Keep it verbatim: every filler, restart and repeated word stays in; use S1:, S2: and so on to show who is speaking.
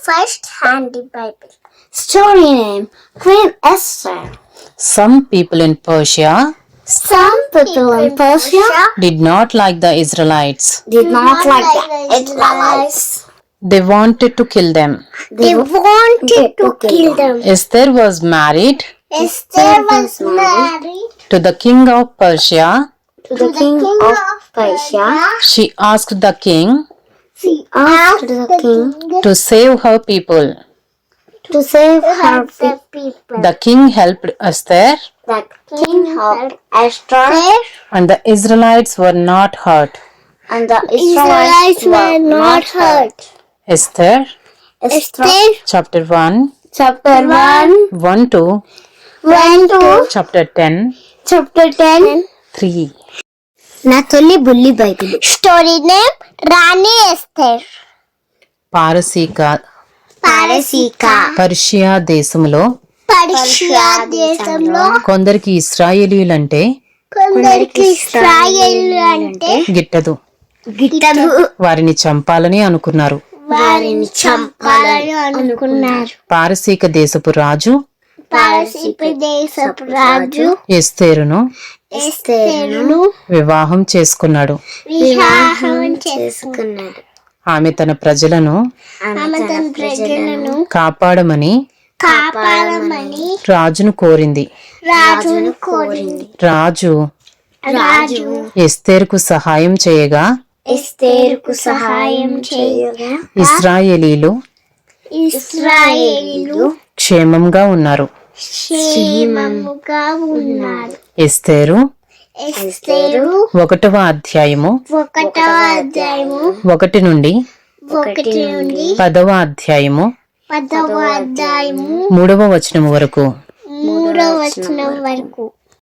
S1: First Handy Bible.
S2: Story name Queen Esther.
S3: Some people in Persia
S2: Some people in Persia
S3: did not like the Israelites.
S2: did not like the Israelites.
S3: They wanted to kill them.
S1: They wanted to kill them.
S3: Esther was married
S1: Esther was married
S3: to the king of Persia.
S2: To the king of Persia,
S3: She asked the king
S1: She
S2: asked the king
S3: to save her people.
S2: to save her
S1: help the
S2: people.
S1: people.
S3: The king helped Esther,
S2: The king helped Esther,
S3: and the Israelites were not hurt.
S2: and the
S1: Israelites
S2: Israelites
S1: were not hurt.
S3: Esther
S2: Esther,
S3: chapter one,
S2: chapter one,
S3: one to
S2: one to
S3: chapter ten,
S2: chapter ten.
S3: three.
S2: నా తొలి బుల్లి Bible.
S1: Story name Rani Esther.
S3: పారసీక
S2: పారసీక
S3: Persia దేశంలో
S1: Persia దేశంలో
S3: కొందరికి ఇశ్రాయేలీలంటే
S1: కొందరికి ఇశ్రాయేలు అంటే
S3: గిట్టదు.
S2: గిట్టదు.
S3: వారిని చంపాలని అనుకున్నారు.
S1: వారిని చంపాలని అనుకున్నారు.
S3: పారసీక దేశపు రాజు
S1: పారసీక దేశపు రాజు
S3: ఎస్తేరును
S1: ఎస్తేరును
S3: వివాహం చేసుకున్నాడు.
S1: వివాహం చేసుకున్నాడు.
S3: ఆమె తన ప్రజలను
S1: ఆమె తన ప్రజలను
S3: కాపాడమని
S1: కాపాడమని
S3: రాజును కోరింది.
S1: రాజును కోరింది.
S3: రాజు
S1: రాజు
S3: ఎస్తేరుకు సహాయం చేయగా
S1: ఎస్తేరుకు సహాయం చేయగా
S3: ఇశ్రాయేలీలు
S1: ఇశ్రాయేలీలు
S3: క్షేమంగా ఉన్నారు.
S1: క్షేమముగా ఉన్నారు.
S3: ఎస్తేరు
S1: ఎస్తేరు
S3: ఒకటవ అధ్యాయము
S1: ఒకటవ అధ్యాయము
S3: ఒకటి నుండి
S1: ఒకటి నుండి
S3: పదవ అధ్యాయము
S1: పదవ అధ్యాయము
S3: మూడవ వచనం వరకు.
S1: మూడవ వచనం వరకు.